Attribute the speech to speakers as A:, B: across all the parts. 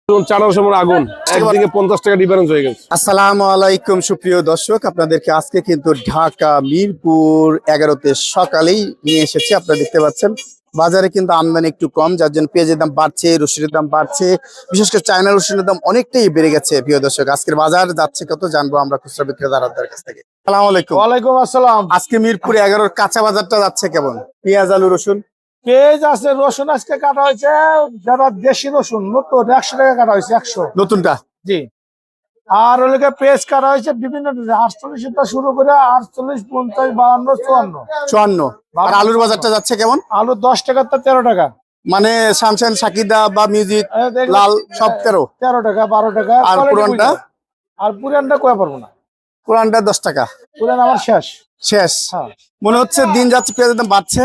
A: আগুন একদিকে 50 টাকা ডিফারেন্স হয়ে গেছে।
B: আসসালামু আলাইকুম সুপ্রিয় দর্শক, আপনাদেরকে আজকে কিন্তু ঢাকা মিরপুর 11তে সকালেই নিয়ে এসেছি। আপনারা দেখতে পাচ্ছেন বাজারে কিন্তু আমদানি একটু কম, যার জন্য পেঁয়াজের দাম বাড়ছে, রসুনের দাম বাড়ছে, বিশেষ করে চায়না রসুনের দাম অনেকটাই বেড়ে গেছে। প্রিয় দর্শক, আজকের বাজার যাচ্ছে কত জানবো আমরা খুচরা বিক্রেতাদের কাছ থেকে। আসসালামু আলাইকুম।
A: ওয়ালাইকুম আসসালাম।
B: আজকে মিরপুর 11 কাঁচা বাজারটা যাচ্ছে কেমন? পেঁয়াজ, আলু, রসুন।
A: পেঁয়াজ আছে, রসুন আজকে কাটা হয়েছে, যারা দেশি রসুন নতুন 100 টাকা কাটা হয়েছে, 100
B: নতুনটা।
A: জি। আর ওইদিকে পেঁয়াজ কাটা হয়েছে বিভিন্ন 48 থেকে শুরু করে 48, 50, 52, 54।
B: 54। আর আলুর বাজারটা যাচ্ছে কেমন?
A: আলু 10 টাকা তো 13 টাকা,
B: মানে শামসান, সাকিদা বা মিউজিক, লাল সব 13
A: টাকা, 12 টাকা।
B: আর পুরানটা?
A: আর পুরানটা কয়ে পারবো না,
B: পুরানটা 10 টাকা।
A: পুরান আমার শেষ।
B: হ্যাঁ, মনে হচ্ছে দিন যাচ্ছে পেঁয়াজের দাম বাড়ছে,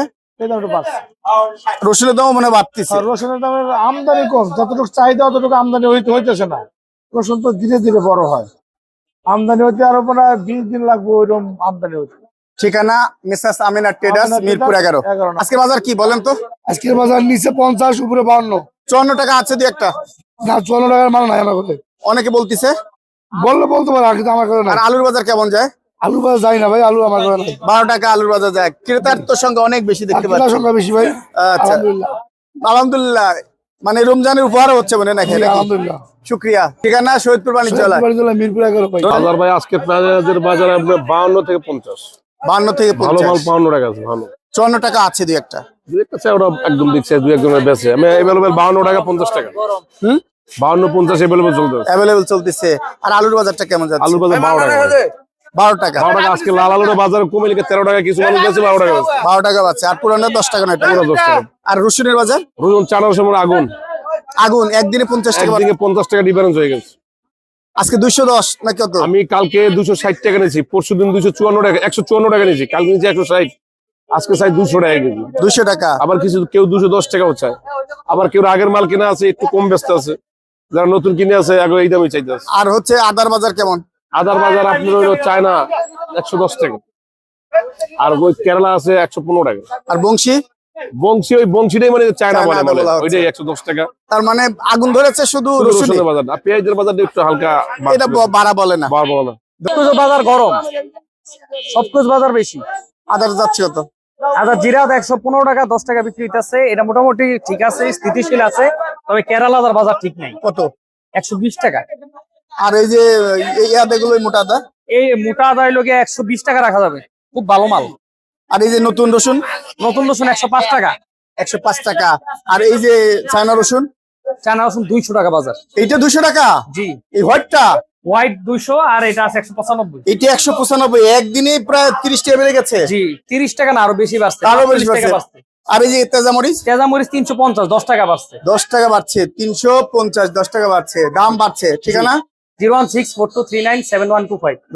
B: রসুনের দামও মনে হয় বাড়তেছে।
A: রসুনের দামের আমদানি কম, যতটুকু চাহিদা অতটুকু আমদানি হইতেছে না। রসুন তো ধীরে ধীরে বড় হয়, আমদানি হইতে আরো মনে হয় 20 দিন লাগবে ওইরকম আমদানি হইতে।
B: ঠিকানা মিসেস আমিনা ট্রেডার্স, মিরপুর 11। আজকে বাজার কি বলেন তো?
A: আজকের বাজার নিচে 50, উপরে 52।
B: 54 টাকা আছে দুই একটা।
A: না, 54 টাকার মাল নাই আমার কাছে।
B: অনেকে বলতিছে,
A: বলতে পারে, কিন্তু আমার কাছে
B: আর
A: নাই।
B: আলুর বাজার কেমন যায়?
A: আলু বাজার যাই না ভাই, আলু আমার কাছে নাই।
B: 12 টাকা আলুর বাজার যায়। ক্রেতার তো সংখ্যা অনেক বেশি দেখতে
A: ক্রেতার
B: পাচ্ছি।
A: সংখ্যা বেশি ভাই।
B: আচ্ছা,
A: আলহামদুলিল্লাহ।
B: আলহামদুলিল্লাহ। মানে রমজানের উপহার হচ্ছে মনে নাকি?
A: আলহামদুলিল্লাহ।
B: শুক্রিয়া। ঠিকানা শহীদপুর বাণিজ্যালয়,
A: মিরপুর 11 ভাই।
C: বাজার ভাই আজকে পেঁয়াজের বাজার আপনার 52 থেকে 50।
B: 52 থেকে
C: ভালো মাল
B: 50।
C: 52 টাকা আছে, ভালো
B: 54 টাকা আছে দুই একটা।
C: দুই একটা আছে, ওরা একদম দিচ্ছে, দুই একজনের বেচে। আমি अवेलेबल 52 টাকা 50 টাকা। 52 50 अवेलेबल চলতেছে।
B: অ্যাভেলেবল চলতেছে। আর আলুর বাজারটা কেমন যাচ্ছে?
C: আলুর বাজার 12 টাকা।
B: 12 টাকা।
C: 12 টাকা আজকে লাল আলুর বাজার কমে লিখে 13 টাকা, কিছু মানুষ বেচে 12 টাকা বেচে।
B: 12 টাকা পাচ্ছে। আর পুরানো 10 টাকা, 9 টাকা।
C: পুরো 10 টাকা।
B: আর রসুনের বাজার?
C: রসুন 400 আগুন
B: আগুন একদিনে 50 টাকা।
C: একদিকে 50 টাকা ডিফারেন্স হয়ে গেছে।
B: আজকে 210 না কত?
C: আমি কালকে 260 টাকা নিয়েছি, পরশুদিন 254 টাকা, 154 টাকা নিয়েছি, কালকে নিয়েছি 160, আজকে চাই 200 টাকা কেজি।
B: 200 টাকা।
C: আবার কিছু কেউ 210 টাকাও চায়, আবার কেউ আগের মাল কিনা আছে একটু কম ব্যস্ত আছে, যারা নতুন কিনে আছে আগে এই দামই চাইতে আছে।
B: আর হচ্ছে আদার বাজার কেমন?
C: আদার বাজার আপনার হইলো চায়না 110 টাকা, আর ওই কেরালা আছে 115 টাকা।
B: আর বংশী?
C: ওই বংশীটাই মানে চায়না
B: চায়না
C: বলে
B: বলা হচ্ছে।
C: ওইটাই 110 টাকা।
B: তার মানে আগুন ধরেছে শুধু রসুনে।
C: রসুনের বাজার আর পেঁয়াজের বাজারটা একটু হালকা
B: এটা বাড়া বলে না।
C: বাড়বো না।
D: বাজার গরম, সবকিছু বাজার বেশি।
B: আদার যাচ্ছে কত?
D: আদা জিরা 115 টাকা, 10 টাকা বিক্রি হইতেছে। এটা মোটামুটি ঠিক আছে, স্থিতিশীল আছে। তবে কেরালার বাজার ঠিক নাই।
B: কত?
D: 120 টাকা।
B: আর এই যে এই আদাগুলো, মোটা আদা?
D: এই মোটা আদায় লোকে 120 টাকা রাখা যাবে, খুব ভালো মাল।
B: আর এই যে নতুন রসুন?
D: নতুন রসুন 105 টাকা।
B: 105 টাকা। আর এই যে চায়না রসুন?
D: চায়না রসুন 200 টাকা বাজার।
B: এইটা 200 টাকা?
D: জি।
B: এই হোয়াইটটা?
D: হোয়াইট 200, আর এটা আছে 195।
B: এটা 195। একদিনে প্রায় 30 টাকা বেড়ে গেছে।
D: জি, 30 টাকা না, আরো বেশি বাড়ছে।
B: আরো বেশি
D: 40 টাকা
B: বাড়ছে।
D: বাড়ছে।
B: আর এই যে তেজামরিচ?
D: তেজামরিচ 350, 10 টাকা বাড়ছে।
B: 10 টাকা বাড়ছে। 350, 10 টাকা বাড়ছে। দাম বাড়ছে। ঠিকানা?
D: 01642397125।